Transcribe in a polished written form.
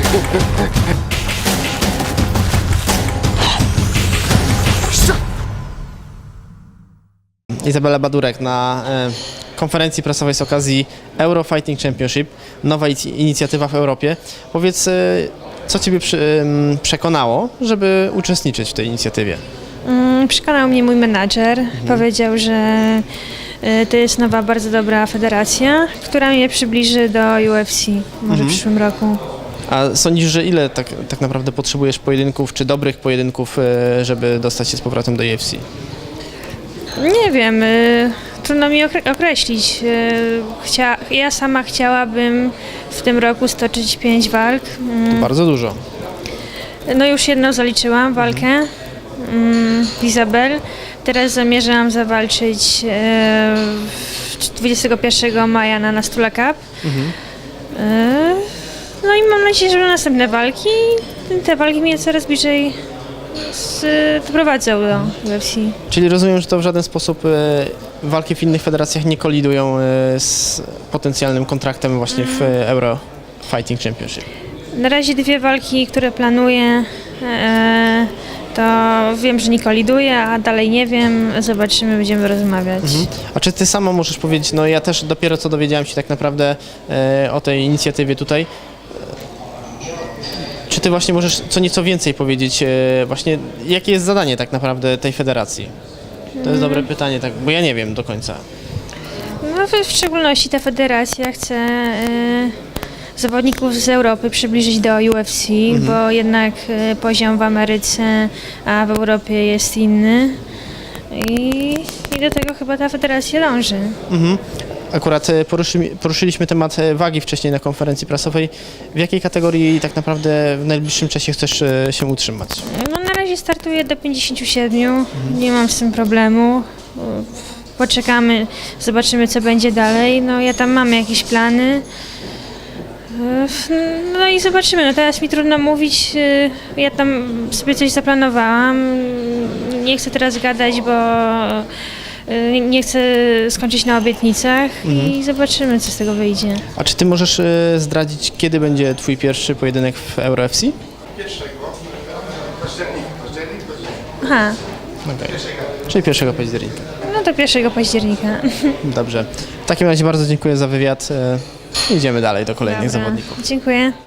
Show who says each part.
Speaker 1: Izabela Badurek na konferencji prasowej z okazji Euro Fighting Championship, nowa inicjatywa w Europie. Powiedz, co Ciebie przekonało, żeby uczestniczyć w tej inicjatywie?
Speaker 2: Przekonał mnie mój menadżer. Powiedział, że to jest nowa, bardzo dobra federacja, która mnie przybliży do UFC może w przyszłym roku.
Speaker 1: A sądzisz, że ile tak naprawdę potrzebujesz pojedynków, czy dobrych pojedynków, żeby dostać się z powrotem do UFC?
Speaker 2: Nie wiem, trudno mi określić. Ja sama chciałabym w tym roku stoczyć 5 walk.
Speaker 1: To bardzo dużo.
Speaker 2: No już jedną zaliczyłam walkę w Izabel. Teraz zamierzam zawalczyć 21 maja na Nastula Cup. No i mam nadzieję, że będą następne walki. Te walki mnie coraz bliżej doprowadzą do UFC.
Speaker 1: Czyli rozumiem, że to w żaden sposób walki w innych federacjach nie kolidują z potencjalnym kontraktem właśnie w Euro Fighting Championship.
Speaker 2: Na razie 2 walki, które planuję, to wiem, że nie koliduje, a dalej nie wiem. Zobaczymy, będziemy rozmawiać.
Speaker 1: A czy Ty sama możesz powiedzieć, no ja też dopiero co dowiedziałem się tak naprawdę o tej inicjatywie tutaj. Czy Ty właśnie możesz co nieco więcej powiedzieć, właśnie jakie jest zadanie tak naprawdę tej federacji? To jest dobre pytanie, tak, bo ja nie wiem do końca.
Speaker 2: No, w szczególności ta federacja chce zawodników z Europy przybliżyć do UFC, bo jednak poziom w Ameryce, a w Europie jest inny. I do tego chyba ta federacja dąży.
Speaker 1: Akurat poruszyliśmy temat wagi wcześniej na konferencji prasowej. W jakiej kategorii tak naprawdę w najbliższym czasie chcesz się utrzymać?
Speaker 2: No, na razie startuję do 57, nie mam z tym problemu. Poczekamy, zobaczymy co będzie dalej. No ja tam mam jakieś plany. No i zobaczymy. No teraz mi trudno mówić, ja tam sobie coś zaplanowałam. Nie chcę teraz gadać, bo nie chcę skończyć na obietnicach i zobaczymy, co z tego wyjdzie.
Speaker 1: A czy Ty możesz zdradzić, kiedy będzie Twój pierwszy pojedynek w Euro FC?
Speaker 2: Aha,
Speaker 1: Okay. Czyli 1 października.
Speaker 2: no to 1 października.
Speaker 1: Dobrze. W takim razie bardzo dziękuję za wywiad. Idziemy dalej do kolejnych
Speaker 2: Dobra,
Speaker 1: zawodników.
Speaker 2: dziękuję.